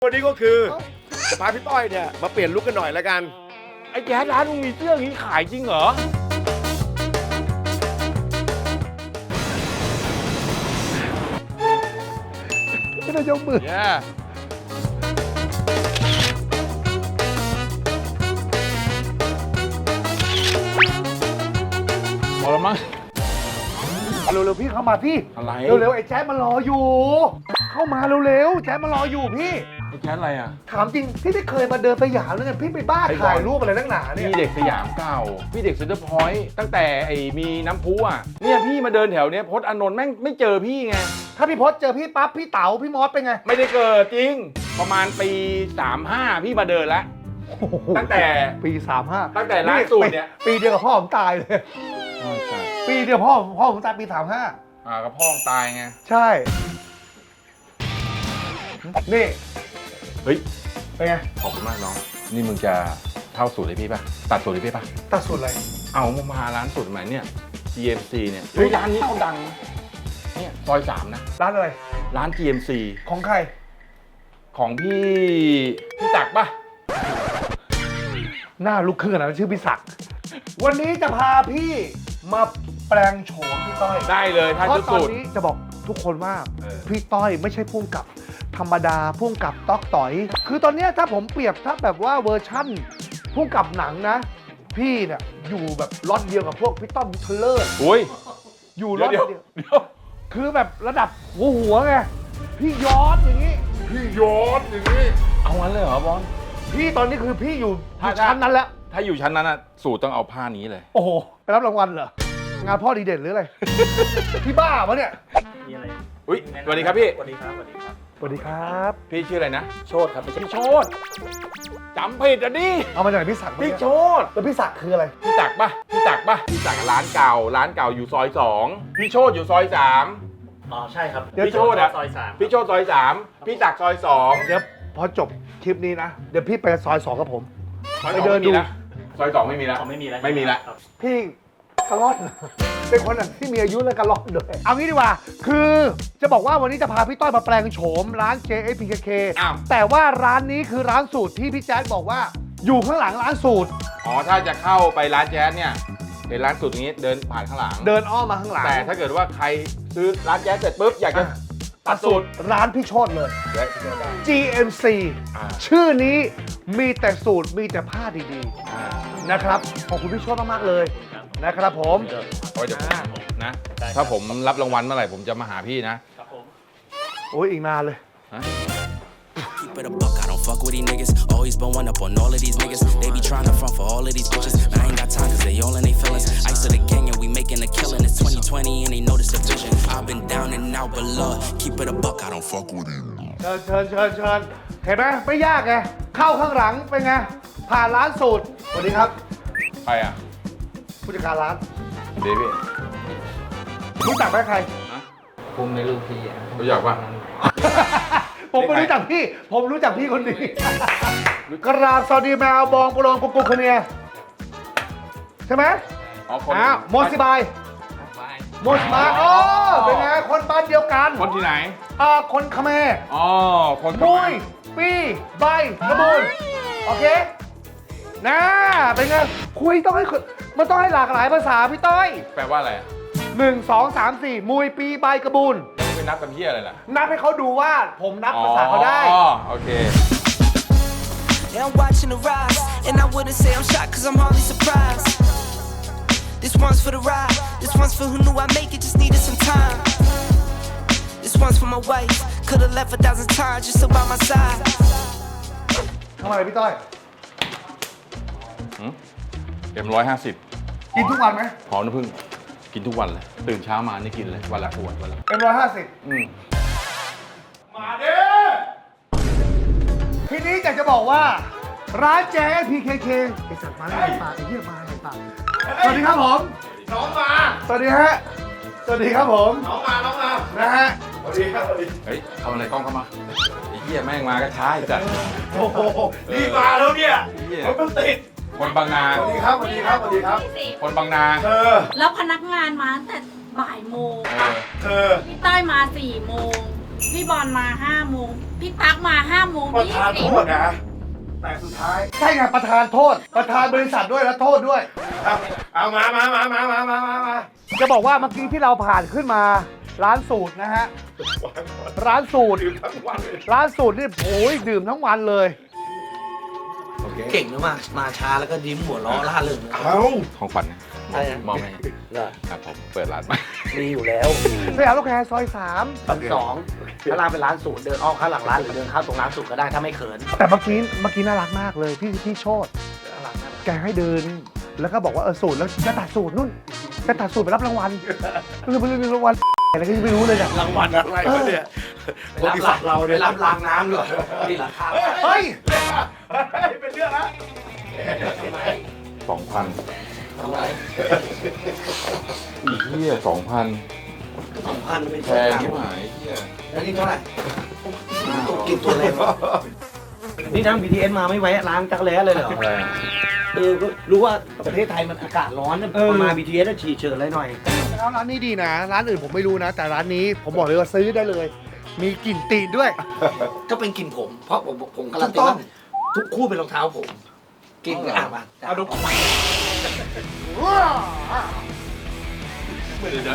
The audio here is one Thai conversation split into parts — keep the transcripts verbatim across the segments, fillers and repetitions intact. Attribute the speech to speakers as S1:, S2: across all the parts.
S1: วันนี้ก็คือจะพาพี่ต้อยเนี่ยมาเปลี่ยนลุคกันหน่อยแล้วกันไอ้แจ๊ดร้านมึงมีเสื้ออย่างนี้ขายจริงเหรอ
S2: ไม่ได้ยกมือ
S1: yeah. พอแล้วมั้ง
S2: เร็วๆพี่เข้ามาพี่
S1: อะไร
S2: เร็วๆไอ้แจ๊ดมันรออยู่ เข้ามาเร็วๆแจ๊ดมันรออยู่พี่
S1: ไอ้แจ๊ดอะไรอ่ะ
S2: ถามจริงพี่ไม่เคยมาเดินสยามเลยไงพี่ไปบ้าถ่ายรูปอะไรนักหนาเนี่ย
S1: พี่เด็กสยามเก่าพี่เด็กเซ็นเตอร์พอยต์ตั้งแต่ไอ้มีน้ำพุอ่ะเนี่ยพี่มาเดินแถวเนี้ยพจน์อานนท์แม่งไม่เจอพี่ไง
S2: ถ้าพี่พศเจอพี่ปั๊บพี่เต๋าพี่มอสเป็นไง
S1: ไม่ได้เกิดจริงประมาณปีสามห้าพี่มาเดินแล้วตั้งแต่
S2: ปีสามห้า
S1: ตั้งแต่ล่าสุดเนี่ย
S2: ปีเดียวกับพ่อผมตายเลย ปีเดียวพ่อพ่อผมตายปีสามห้า
S1: อ่ากับพ่อตายไง
S2: ใช่ นี่
S1: เฮ้ย
S2: เป็นไง
S1: ขอบคุณมากน้องนี่มึงจะเท่าสูตรเลยพี่ป่ะตัดสูตรเลยพี่ป่ะ
S2: ตัดสุดอะไร
S1: เอามามาร้านสูตรใหม่เนี่ย จี เอ็ม ซี เนี่ย
S2: เฮ้
S1: เฮ้
S2: ย
S1: ยร้านนี้เขาดังนะเนี่ยซอยสามนะ
S2: ร้านอะไร
S1: ร้าน จี เอ็ม ซี
S2: ของใคร
S1: ของพี่พี่จักรป่ะ
S2: หน้าลุกขึ้นขนาดนั้นชื่อพี่ศักดิ์วันนี้จะพาพี่มาแปลงโฉมพี่ต้อย
S1: ได้เลยถ้า
S2: เพราะ
S1: ชุด
S2: ตอน
S1: สูตร
S2: นี้จะบอกทุกคนว่า
S1: เออ
S2: พี่ต้อยไม่ใช่พุ่งกับธรรมดาพุ่งกับต๊อกต่อย คือตอนเนี้ยถ้าผมเปรียบถ้าแบบว่าเวอร์ชั่นพุ่งกับหนังนะ พี่เนี่ยอยู่แบบล็อตเดียวกับพวกพี่ต้อมเทเลอร์
S1: อุ้ย
S2: อยู่ล็อต
S1: เดี๋ยว
S2: เดียว
S1: เดี๋ยว
S2: คือแบบระดับหัวหัวไงพี่ย้อนอย่างนี้
S1: พี่ย้อนอย่างนี้เอางั้นเลยเหรอบอล
S2: พี่ตอนนี้คือพี่อยู่อ
S1: ถ้า
S2: ยู่ชั้นนั้นแล้ว
S1: ถ้าอยู่ชั้นนั้นอะสูตรต้องเอาผ้านี้เลย
S2: โอ้โหไปรับรางวัลเหรองานพ่อดีเด่นหรืออะไร พี่บ้าวะเนี่ย
S3: มีอะไร
S1: อุ้ยสวัสดีครับพี่
S3: สวัสดีครับสวัสดีครับ
S2: สวัสดีครับ
S1: พี่ชื่ออะไรนะ
S3: โชดครับไม่ใช่
S1: พี่โชตจำผิดอ่ะดิ
S2: เอามาจากไหนพี่ศักดิ์
S1: พี่โชต
S2: แล้วพี่ศักดิ์คืออะไร
S1: พี่จักรป่ะพี่จักรป่ะพี่จักรร้านเก่า ร้านเก่าอยู่ซอยสองพี่โชตอยู่ซอยสาม
S3: อ๋อใช่ครับ
S1: พี่โชดอะ
S3: ซอยสาม
S1: พี่โชตซอยสามพี่จักรซอยสอง
S2: เดี๋ยวพอจบคลิปนี้นะ เดี๋ยวพี่ไปซอยสองกับผม
S1: ซอย
S2: ไป
S1: สอง
S2: เดิน
S1: ไม่มี
S2: ดู
S1: นะซอยสองไม่มีแล้ว
S3: อ๋อไม่มีแล้ว
S1: ไม่มีแล้ว
S3: ครับ
S2: พี่กระล่อน เป็นคนที่มีอายุและกระล่อนด้วยเอางี้ดีกว่า คือจะบอกว่าวันนี้จะพาพี่ต้อยมาแปลงโฉมร้าน เจ เอส พี เค เค
S1: อ้าว
S2: แต่ว่าร้านนี้คือร้านสูตรที่พี่แจ๊ดบอกว่า อยู่ข้างหลังร้านสูตร
S1: อ๋อถ้าจะเข้าไปร้านแจ๊สเนี่ยเห็นร้านสุดอย่างนี้เดินผ่านข้างหลัง
S2: เดินอ้อมมาข้างหลัง
S1: แต่ถ้าเกิดว่าใครซื้อร้านแจ๊สเสร็จปุ๊บอยากจะ
S2: อ่ะ
S1: ตัดสูตร
S2: ร้านพี่โชดเลย
S1: เดี๋ยวเดี๋ยวได้
S2: จี เอ็ม ซี
S1: อ่า
S2: ชื่อนี้มีแต่สูตรมีแต่ผ้าดี
S1: อ่า
S2: ๆนะครับขอบคุณพี่โชดมากๆเลย
S3: ครับ
S2: นะครับผม
S3: เดี๋ยว
S1: โอ้ยเดี๋ยวผม
S2: อ่า
S1: นะ
S3: ได้ครับ
S1: ถ้าผมรับรางวัลเมื่อไหร่ผมจะมาหาพี่นะ
S3: ครับผม
S2: โอ้ยอีกนานเลย
S1: ฮะ
S4: Keep it a buck, I don't fuck with these niggas. Always been one up on all of these niggas. They be trying to front for all of these bitches. I ain't got time cause they all in they feelings. Ice of the gang and we making a killing. It's twenty twenty and they notice the vision. I've been down and out, but Lord, keep it a buck, I don't fuck with you.
S2: เชิญเชิญเชิญเชิญเห็นไหมไม่ยากไงเข้าข้างหลังเป็นไงผ่านร้านสูตรสวัสดีครับ
S1: ใครอ่ะ
S2: ผู้จัดการร้าน
S1: เดวี่
S2: รู้จักไหมใคร
S3: ผมในลูกพี่อ่ะ
S1: รู้จักป่ะ
S2: ผมไม่รู้จักพี่ ผมรู้จักพี่คนนี้ กราบสวัสดีแมวบองปลงกุกกุกคะเนียใช่ไหม
S1: อ๋อคน
S2: อ้าวโมซิบายโมซิบายโอ้เป็นไงคนบ้านเดียวกัน
S1: คนที่ไหน
S2: อ่าคนเขมร
S1: อ๋อคน
S2: มุยปีใบกระบุนโอเคนะเป็นไงคุยต้องให้คนมันต้องให้หลากหลายภาษาพี่ต้อย
S1: แปลว่าอะไรอ่ะ
S2: หนึ่งสองสามสี่มุยปีใบกระบุน
S1: ยังเป็นนับเป็นเพี้ยอะไรล่ะ
S2: นับให้เขาดูว่าผมนับภาษาเขาได้
S1: อ๋อโอเค
S4: Yeah, I'm watching the rise, and I wouldn't say I'm shocked cause I'm hardly surprised. This one's for the ride, this one's for who knew I'd make it, just needed some time. This one's for my wife, could've left a thousand times just so by my side.
S2: ทำอะไรพี่ต้อย
S1: เอ็มร้อยห้าสิบ
S2: กินทุกวันไหม
S1: หอมน้ำผึ้งกินทุกวันเลย ตื่นเช้ามานี่กินเลยวันละขวดวันละ
S2: เอ็มร้อยห้าสิบ
S1: อืม
S2: มาเด้ทีนี้อยากจะบอกว่า ร้านแจ๊ พี เค เคไอสัตว์มาแล้วไอ้ปากไอ้เหี้ยมาไอ้ปากสวัสดีครับผม
S1: น้องมา
S2: สวัสดีฮะ สวัสดีครับผม
S1: น้องมาน้องมา
S2: นะฮะ
S1: สวัสดีครับสวัสดีเฮ้ยเอาอะไรกล้องเข้ามาไอ้เหี้ยแม่งมาก็ช้าจัด
S2: โอ้โห
S1: รีบมาแล้วเนี่ยรถมันติดคนบางนา
S2: สวัสดีครับ สวัสดีครับ สวัสดีครับ
S1: คนบางนา
S2: เธอ
S5: แล้วพนักงานมาตั้งแต่บ่ายโมง
S1: เออ
S2: เธอ
S5: พี่ต้อยมาสี่โมงพี่บอลมาห้าโมงพี่ตั๊กมาห้าโมง
S6: ประ
S5: ยี่
S6: ธาน
S5: สิ
S6: โท
S5: บ
S6: ษนะ แต่สุดท้าย
S2: ใช่ไงประธานโทษ ประธานบริษัทด้วยและโทษด้วย
S6: เอาเอามามามามามามามามา
S2: จะบอกว่าเมื่อกี้ที่เราผ่านขึ้นมา ร้านสูตรนะฮะ ร้านสูตร
S6: ดื่มทั้งวันเลย
S2: ร้านสูตรนี่โอ้ยดื่มทั้งวันเลย
S7: เก่งนะมา มาช้าแล้วก็ยิ้มหัวเราะล่าเริงเลย
S6: เอา
S1: ของขวัญนะ
S7: ใช่นะ
S1: มอบให้
S7: เหรอ
S1: ครับผมเปิดร้านใหม่
S7: มีอยู่แล้ว
S2: สยามลูกแคร์ซอยสาม
S7: ชั้นสองถ้าร้านเป็นร้านสูตรเดินอ้อมข้างหลังร้านหรือเดินเข้าตรงร้านสูตรก็ได้ถ้าไม่เขิน
S2: แต่เมื่อกี้เมื่อกี้น่ารักมากเลยพี่พี่โชต
S7: น่ารักนะ
S2: แกให้เดิน แล้วก็บอกว่าเออสูตรแล้วจะตัดสูตรนู่นจะตัดสูตรไปรับรางวัลคือไปรับรางวัลอะไรก็ยังไม่รู้เลยเนี่ย
S6: รางวัลอะไรวะเนี่ยบริษัทเราเนี่ย
S7: ไปรับรางน้ำด้วยนี่ราคา
S2: เฮ้ย
S6: เป็นเรื่องละ
S1: สองพัน
S7: ทำไม
S1: อีเหี้ยสองพัน
S7: สองพันไม่
S1: แพ
S7: ใช่
S1: งที่หมายเหี้ย
S7: แล้วนี่เท่าไหร่ตัวกินตัวอะไรวะนี่นั่ง บี ที เอส มาไม่แวะร้านจักรแล้เลยเหรอ
S1: อะไร
S7: เออก็รู้ว่าประเทศไทยมันอากาศร้อนนะพอมา บี ที เอส ก็ฉี่เฉินเลยหน่อย
S2: ร้านนี้ดีนะ ร้านอื่นผมไม่รู้นะ แต่ร้านนี้ผมบอกเลยว่าซื้อได้เลย มีกลิ่นตีนด้วย
S7: ก็เป็นกลิ่นผม เพราะผมผมการันตีว่าทุกคู่เป็นรองเท้าผมกลิ่นอ่ะมาเอาดู
S1: ไม่เลยนะ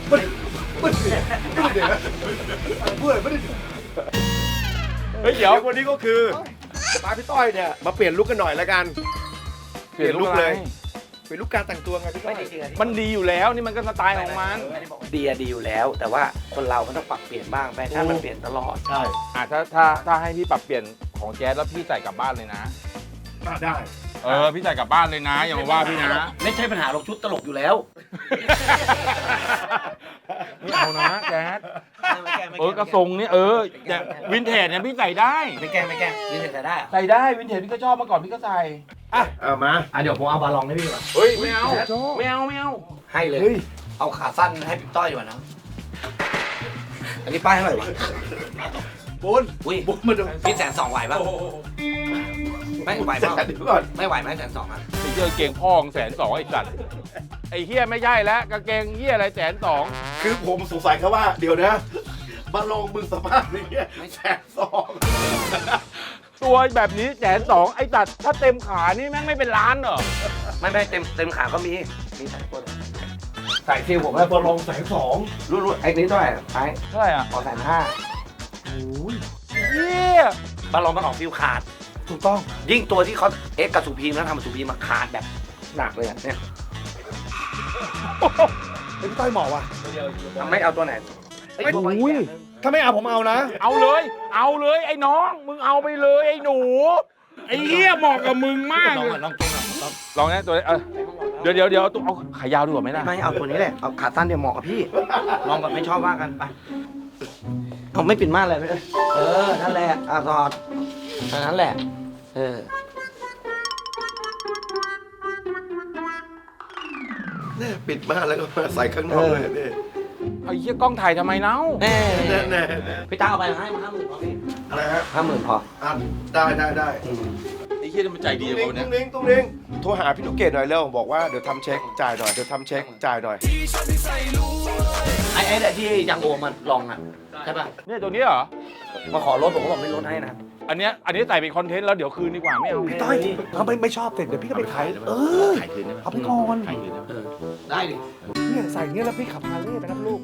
S1: เฮ้ยเดี๋ยว
S6: วันนี้ก็คือพาพี่ต้อยเนี่ยมาเปลี่ยนลุคกันหน่อยแล้วกัน
S1: เปลี่ยนลุคเลย
S6: เปลี่ยนลุคการแต่งตัวไงพี่ต้
S7: ไม่
S6: อย
S7: ได้จริงๆ
S1: มันดีอยู่แล้วนี่มันก็สไตล์ของมัน
S7: ดีอะดีอยู่แล้ว แต่ว่าคนเรามันต้องปรับเปลี่ยนบ้างแฟชั่นมันเปลี่ยนตลอด
S6: ใช่
S1: อ่ะถ้าถ้าถ้าให้พี่ปรับเปลี่ยนของแจ๊สแล้วพี่ใส่กลับบ้านเลยนะ
S6: อ่ะได้
S1: เออพี่ใส่กลับบ้านเลยนะอย่ามาว่าพี่นะ
S7: ไม่ใช่ปัญหาหรอกชุดตลกอยู่แล้ว
S1: ไม่เอานะแจ๊ส
S7: ไม่แก้ไม่
S1: เอ
S7: แก้
S1: อกระทรงนี่เออแต่วินเทจเนี่ยพี่ใส่ได้
S7: ไม่แก้ไม่แก้นี่ใส่ได้เหรอ
S1: ใส่ได้วินเทจพี่ก็ชอบมาก่อนพี่ก็ใส่
S6: เอามา
S7: อ่ะเดี๋ยวผมเอาบาลองให้พี่ก่อน
S1: เฮ้ยไม่เอาไม่เอาไม่เอา
S7: ให้เลย เอาขาสั้นให้พี่ต้อยดีกว่านะอันนี้ป้ายเท่าไหร่วะ
S6: บุญ
S7: อุ้ย
S6: บุญมาดู
S7: พี่แสนสองไหวป่ะไม่ไหว
S6: แต่
S7: เปล่า
S6: เดี๋ยวก่อน
S7: ไม่ไหวไหมแสนสองอ่ะ
S1: ไอ้เหี้ยกางเกงพ่อของแสนสองไอ้สัตว์ไอ้เฮียไม่ใช่แล้วกางเกงเฮียอะไรแสนสอง
S6: คือผมสงสัยแค่ว่าเดี๋ยวนะมาลงมึงสภาพอย่างเงี้ยแสนสอง
S1: ตัวแบบนี้แสนสองไอ้สัตว์ถ้าเต็มขานี่แม่งไม่เป็นล้านเหรอ
S7: ไม่ไม่เต็มเต็มขาก็มีมีใส่ตัว
S6: ใส่คิวผมแล้วมาลงแสนสอง
S7: รู้รู้ไอ้นี้เท่าไหร่ไอ้
S1: เท่าไหร่อ่ะ
S7: ขอแสนห้า
S1: เฮีย
S7: บาลองมันออกฟิวขาด
S2: ถูกต้อง
S7: ยิ่งตัวที่เขาเอ็กซ์กับสุพีมแล้วทำกับสุพีมมาขาดแบบหนักเลยอะเนี่ย
S2: เป็นพี่ต้อยเหมาะว่ะ
S7: ไม่เอาตัวไหน
S2: ไม่อุ้ยถ้าไม่เอาผมเอานะ
S1: เอาเลย เอาเลยไอ้น้องมึงเอาไปเลยไอ้หนูไอ้เฮียเหมาะกับมึงมาก
S7: ลอง
S1: เล
S7: ก่อย นลองเก่งก่อนลอง
S1: ลองนะตัวนี้เออเดี๋ยวเดี๋ยวเดี๋ยวต้องเอาขายาวดีกว่าไหมล่ะ
S7: ไม่เอาตัวนี้แหละเอาขาสั้นเดี๋ยวเหมาะกับพี่ ลองแบบไม่ชอบว่ากันไปเอาไม่ปิดม่านเลยไม่ได้เออนั่นแหละอ่ะถอดอันนั้นแหละ เออ
S6: เนี่ยปิดม่านแล้วก็มาใส่ข้างนอกเลยนี่
S1: ไอ้เฮียกล้องถ่ายทำไมเนา
S7: แน่
S6: แน่แน่
S7: พี่ตาเอาไปให้มาห้าหมื่นพอพี่
S6: อะไรฮะ
S7: ห้าหมื่นพอ
S6: อ่ะได้ได้ได้
S1: ไอ้เฮียมันใจดี
S6: ตุ้ง
S1: ก
S6: ลิง
S1: ว่าเนี่ย
S6: ตุ้งลิงตุ้งลิงโทรหาพี่ลูกเกดหน่อยเร็วบอกว่าเดี๋ยวทำเช็คจ่ายหน่อยเดี๋ยวทำเช็คจ่ายหน่อย
S7: ไอ้ไอ้เนี่ยที่ยังโอมันลองอ่ะใช่ป่ะ
S1: เนี่ยตัวนี้เหรอ
S7: มาขอลดผมก็บอกไม่ลดให้นะ
S1: อันเนี้ยอันนี้ใส่เป็นคอนเทนต์แล้วเดี๋ยวคืนดีกว่าไม่เอา
S2: พี่ต้อยเขาไม่ไม่ชอบเสร็จเดี๋ยวพี่ก็ไปขายเออ
S1: ขายคืนได้ไหม
S2: เอาไปก่อน
S1: ขายคืนได้ไหม
S7: เออได้ดิ
S2: เนี่ยใส่เงี้ยแล้วพี่ขับฮาร์เลย์ไปรับลูก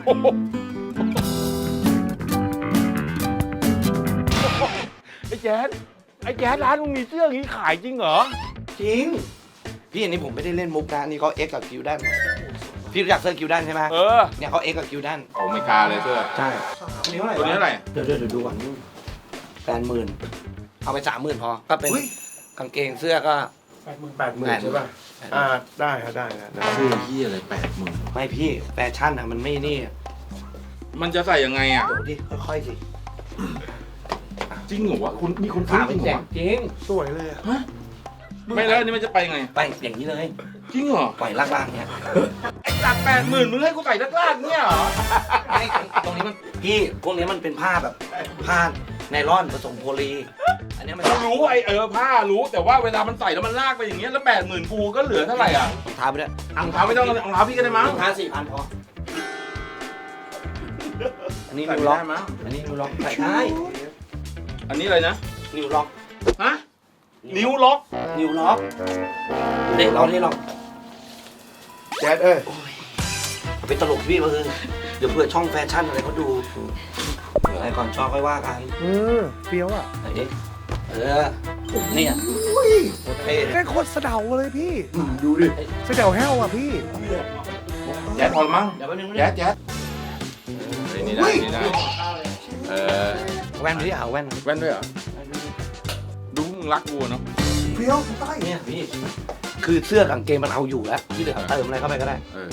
S1: ไอ้แจ๊ดไอ้แจ๊ดร้านมึงมีเสื้ออย่างนี้ขายจริงเหรอ
S7: จริง พี่อันนี้ผมไม่ได้เล่นมุกนะอันนี่เขาเอ็กกับคิวด้านพี่รู้จักเสื้อคิวด้านใช่ไหม
S1: เออ
S7: เนี่ยเขาเอ็กกับคิวด้าน
S1: ผมไม่กล้าเลยเสื้อ
S7: ใช่อันนี้เท่าไหร่
S1: ตัวนี้เท่าไหร่
S7: เดี๋ยวเดี๋ยวเดี๋ยวดูก่อนแปดหมื่นเอาไปสามหมื่นพอ ก็เป็นกางเกงเสื้อก็
S6: แปดหมื่นแปดหมื่นใช่ป่ะอ่าได้ครับได้ครับได้
S1: เสื้อที่อะไรแปดหมื่น
S7: ไม่พี่แฟชั่นอ่ะมันไม่นี่
S1: มันจะใส่ยังไงอ่ะ
S7: เดี๋ยวดิค่อยๆสิ
S1: จริงเหรอวะคุณมีคน
S7: ขา
S1: ซื้อจ
S7: เป็
S1: ริ
S7: น
S1: งเหร
S7: แจ
S1: อก
S7: จริง
S2: สวยเลยอะ
S1: ไม่แล้วอันนี้มันจะไปยังไง
S7: ไปอย่างนี้เลย
S1: จริงเหรอ
S7: ปล่อยลากๆเนี้ย
S1: ไอ้จากแปดหมื่นมึงให้กูใส่ลากๆเนี่ยเหรอ
S7: ไม่ตรงนี้มันพี่พวกนี้มันเป็นผ้าแบบผ้าไนลอนผสมโพลีอันเนี้ยมัน
S1: เรารู้ไอ้เออผ้ารู้แต่ว่าเวลามันใส่แล้วมันลากไปอย่างเงี้ยแล้วแปดหมื่นกูก็เหลือเท่าไหร่อ่ะ
S7: รองเท้าไปด้วย
S1: รองเท้าไม่ต้องรองเท้าพี่ก็ได้มั้ง
S7: รองเท้าสี่พันพออันนี้
S1: ใส่
S7: นิว
S1: ไม่
S7: ล็อก
S1: ได้มั้ง
S7: อันนี้นิวล็อกใส่ได้
S1: อันนี้อะไรนะ
S7: นิวล็อก
S1: ฮะ นิ้วล็อก
S7: นิวล็อกเด็กเรานี่ล็อก
S2: แจ๊ดเอ้ย
S7: เป็นตลกพี่มาคือเดี๋ยวเผื่อช่องแฟชั่นอะไรเขาดูเดี๋ยวอะไรก่อนชอบค่อยว่ากัน
S2: เออเฟี้ยวอ่ะ
S7: ไหนดิเออเนี่ยโอเค
S2: แม่งโคตรเสะเดาเลยพี่
S6: ดูดิ
S2: เสะเดาแห้วอ่ะพี่
S1: แจ๊ดพอละมั้ง
S7: เดี๋ยวแป๊บนึง
S1: แจ๊ดแจ๊ดเฮ้ยนี่ได้นี่ได้เออ
S7: แว่นพี่เอาแว่น
S1: แว่นด้วยเหรอ ดูมึงรักกูเนาะ
S2: เฟี้ยวพี่ต้อย
S7: เนี่ยพี่คือเสื้อกับกางเกงมันเอาอยู่แล้วที่เหลือเติมอะไรเข้าไปก็ได้
S1: เออ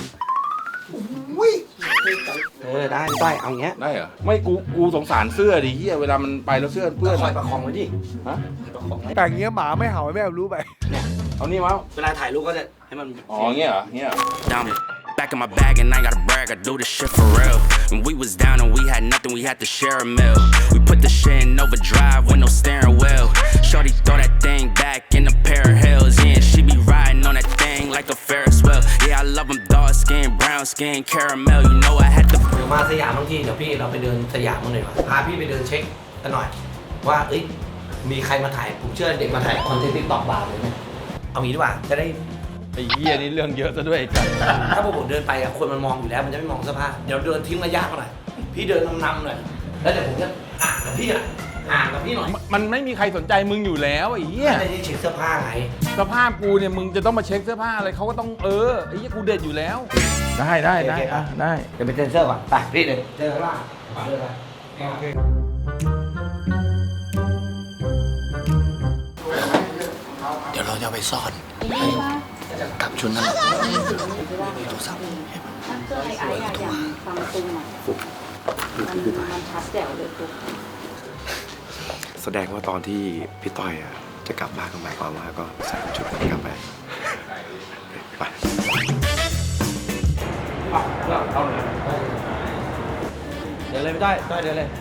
S7: เออได้พี่ต้อยเอาอย่างเงี้ย
S1: ได้เหรอ ไม่กู กูสงสารเสื้อดิเฮียเวลามันไปแล้วเสื้อเปื้อน
S7: คอยประคองไว้ดิ
S1: ฮะ
S7: ประคองไว้
S2: แต่งเงี้ยหมาไม่เห่าไม่เอารู้ไป
S1: เอานี่มา
S7: เวลาถ่ายรูปก็จะให้มัน
S1: อ๋อเงี้ยเหรอเงี้ยเหรอ
S8: Down back in my bag and I gotta brag, I do this shit for real. When we was down and we had nothing, we had to share a meal. We put the shit in overdrive with no steering wheel. Shorty throw that thing back in a pair of heels. Yeah, she be riding on that thing like a Ferris wheel. Yeah, I love them dark skin, brown skin, caramel. You know I had to.
S7: เดี๋ยวมาสยามบางทีเดี๋ยวพี่เราไปเดินสยามมั้างหน่อยวะพาพี่ไปเดินเช็คกันหน่อย ว่าเอ้ยมีใครมาถ่ายผมเชื่อเด็กมาถ่ายคอนเทนต์ติ๊กต็อกบาร์เลยไหมเอางี้ดีกว่าจะได้
S1: ไอ้เหี้ยนี่เรื่องเยอะซะด้วยไอ้จัด
S7: ถ้าพวกผมเดินไปอะคนมันมองอยู่แล้วมันจะไม่มองเสื้อผ้าเดี๋ยวเดินทิ้งระยะมาหน่อยพี่เดินนำๆหน่อยแล้วเดี๋ยวผมจะห่างกับพี่อะห่างกับพี่หน่อย
S1: มันไม่มีใครสนใจมึงอยู่แล้วไอ้เหี้ย
S7: ไม่ได้เช็คเสื้อผ้าไง
S1: สภาพกูเนี่ยมึงจะต้องมาเช็คเสื้อผ้าอะไรเขาก็ต้องเออไอ้เหี้ยกูเด็ดอยู่แล้ว ได้ได้ได้อ่ะได้
S7: เดี๋ยวไปเซ็นเซอร์ก่อนไปพี่เดินเดินข้างล่างเดินไปเดี๋ยวเราจะไปซ่อนกับชุดนั้นโทรศัพท์
S5: เสื้อไอ้ไอ้อะอย่างฟังตุ้มอะมันมันชัดแจ๋วเลยปุ๊บ
S9: แสดงว่าตอนที่พี่ต้อยอ่ะจะกลับบ้านก็หมายความว่าก็ใส่ชุดนั้นกลับไปไป
S7: เดินเลยไม่ได้ได้เดินเลย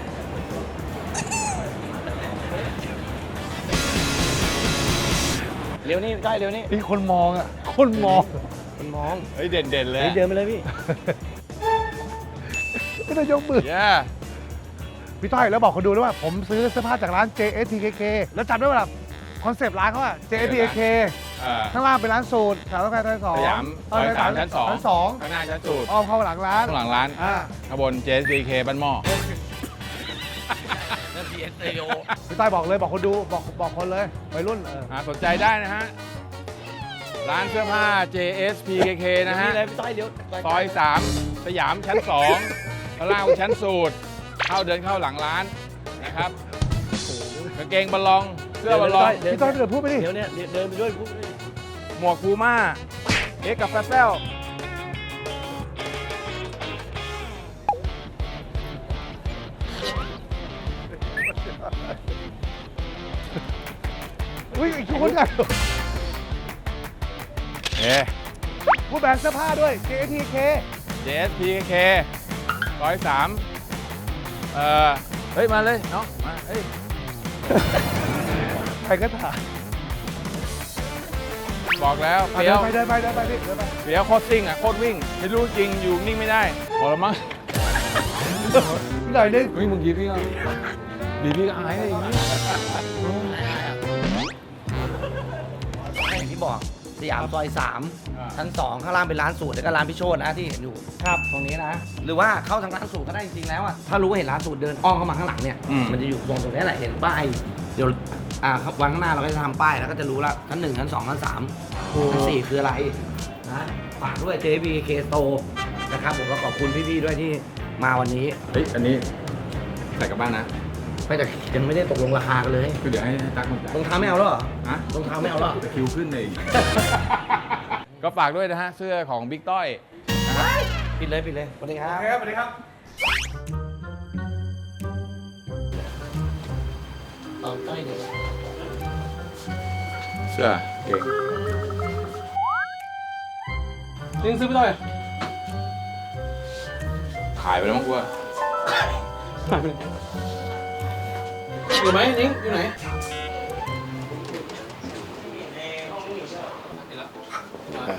S7: เร็วนี่ได้เร็วนี่
S2: มีคนมองอ่ะ คนมอง
S7: มันมอง
S1: เฮ้ยเด่นเด่นเลย
S7: เฮ้ยเดินไปเลยพี่
S2: ไม่ได้ยกมือ
S1: เย้
S2: พี่ต้อยแล้วบอกคนดูด้วยว่า ผมซื้อเสื้อผ้าจากร้าน เจ เอส ที เค เค แล้วจำได้ว่าคอนเซปต์ร้านเขาอะ เจ เอส ที เค เค
S1: อ่า
S2: ข้างล่างเป็นร้านสูตรแถวต้องการชั้นสอง
S1: สยาม
S2: เออ
S1: สามชั้นสอง
S2: ชั้นสอง
S1: ข้างหน้าชั้นสูตร
S2: อ้อมเข้าหลังร้าน
S1: ข้างหลังร้าน
S2: อ่า
S1: ข้างบน เจ เอส พี เค บ้านหม้อ
S7: นั่น พี เอส เอ โอ
S2: พี่ต้อยบอกเลยบอกคนดูบอกบอกคนเลยวัยรุ่นเออ
S1: อ่าสนใจได้นะฮะ ร้านเสื้อผ้า เจ เอส พี เค เค นะฮะ
S7: นี่เลยพี่ต้อยเดี๋ยว
S1: ซอยสามสยามชั้นสองข้างล่างชั้นสูตร เข้าเดินเข้าหลังร้านนะครับกางเกงบอลลอง เสื้อบอลลอง
S2: พี่ต้อยเดี๋ยวพูดไปดิ
S7: เดี๋ยวเนี่ยเดินไปด้วยพูดไปด้วย
S1: หมวกพูม่า เอ็กกับแฟเซล
S2: อุ้ยอีกคนใหญ่
S1: เอ๊ะ
S2: พูดแบรนด์เสื้อผ้าด้วย เจ เอส ที เค
S1: เจ เอส พี เค เคซอยสามเออเฮ้ย มาเลยน้องมาเฮ้ย
S2: ใครก็ถ่าย
S1: บอกแล้ว
S2: อ่ะ
S1: เปี
S2: เดิ
S1: ย
S2: น
S1: ว
S2: ไปเดินไปเดินไปพี่เดินไป
S1: เปียวโคตรซิ่งอ่ะโคตรวิ่ง ไม่รู้จริงอยู่นิ่งไม่ได้พอแล้วมั้ง
S2: หน่อยนึง
S1: เฮ้ยมึงกี้พี่ก็ดีพี่ก็อายเลยอย่างนี้
S7: อย่างที่บอกสยามซอยสาม
S1: อ่า
S7: ชั้นสองข้างล่างเป็นร้านสูตรแล้วก็ร้านพี่โชตนะที่เห็นอยู่ครับตรงนี้นะ หรือว่าเข้าทางร้านสูตรก็ได้จริงๆแล้วอ่ะถ้ารู้ว่าเห็นร้านสูตรเดินอ้อมเข้ามาข้างหลังเนี่ยมันจะอยู่ตรงตรงนี้แหละเห็นป้ายเดี๋ยวอ่าครับวันข้างหน้าเราก็จะทำป้ายแล้วก็จะรู้ละชั้นหนึ่งชั้นสองชั้นสามชั้นสี่คืออะไรนะฝากด้วย เจ พี เค Store นะครับผมก็ขอบคุณพี่ๆด้วยที่มาวันนี้
S1: เฮ้ย อันนี้ใส่กลับบ้านนะ
S7: ไม่แต่ยังไม่ได้ตกลงราคากันเลย
S1: คือเดี๋ยวให้ให้ตั๊กมันจ่าย
S7: รองเท้าไม่เอาแล้วเหรอ
S1: ฮะ
S7: รองเท้าไม่เอาแล้วเหรอ
S1: จะคิวขึ้นเลย ก็ฝากด้วยนะฮะ เสื้อของบิ๊กต้อยนะฮะ
S7: ปิดเลยปิดเลยสวัสดีครับ
S2: ครับสวัสดีครับ
S7: เอาต้อยเดี๋ยว
S1: เสื้อเก่งนิ้งซื้อไปต้อยขายไปแล้วมั้งกูว่าขายไปเลยอยู่ไหมนิ้งอยู่ไหน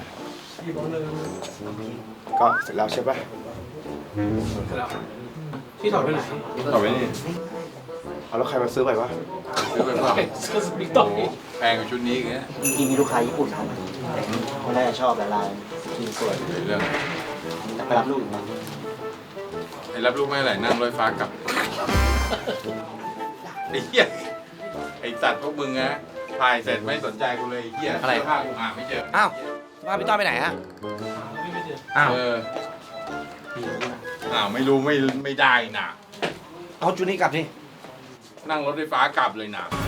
S9: ก็เสร็จแล้วใช่ปะ
S1: เสร็จแล้ว
S3: พี่ถอดไปไหน
S9: ต่อไปนี่เอาแล้วใครมาซื้อไปวะ
S1: ซื้อไปเปล่า
S3: ก็สปิกต่อ
S1: โอ้โหแพงกว่าชุดนี้อีกนะ
S3: จริงๆมีลูกค้าญี่ปุ่นครับเขาน่าจะชอบแต่ลายทีสวย
S1: เรื่อง
S3: แต่ไปรับลูกอยู่นะ
S1: ไอ้รับลูกไม่อะไรนั่งรถไฟฟ้ากลับไอ้เหี้ยไอ้สัตว์พวกมึงนะถ่ายเสร็จไม่สนใจกูเลยไอ้เหี้ย
S7: อะไร
S1: เสื้อผ้ากูหาไม่เจอ
S7: อ้าวสภาพพี่ต้อยไปไหนฮะอ้าว
S1: เอออ้าวไม่รู้ไม่ไม่ได้น่ะ
S7: เอาชุดนี้กลับสิ
S1: นั่งรถไฟฟ้ากลับเลยน่ะ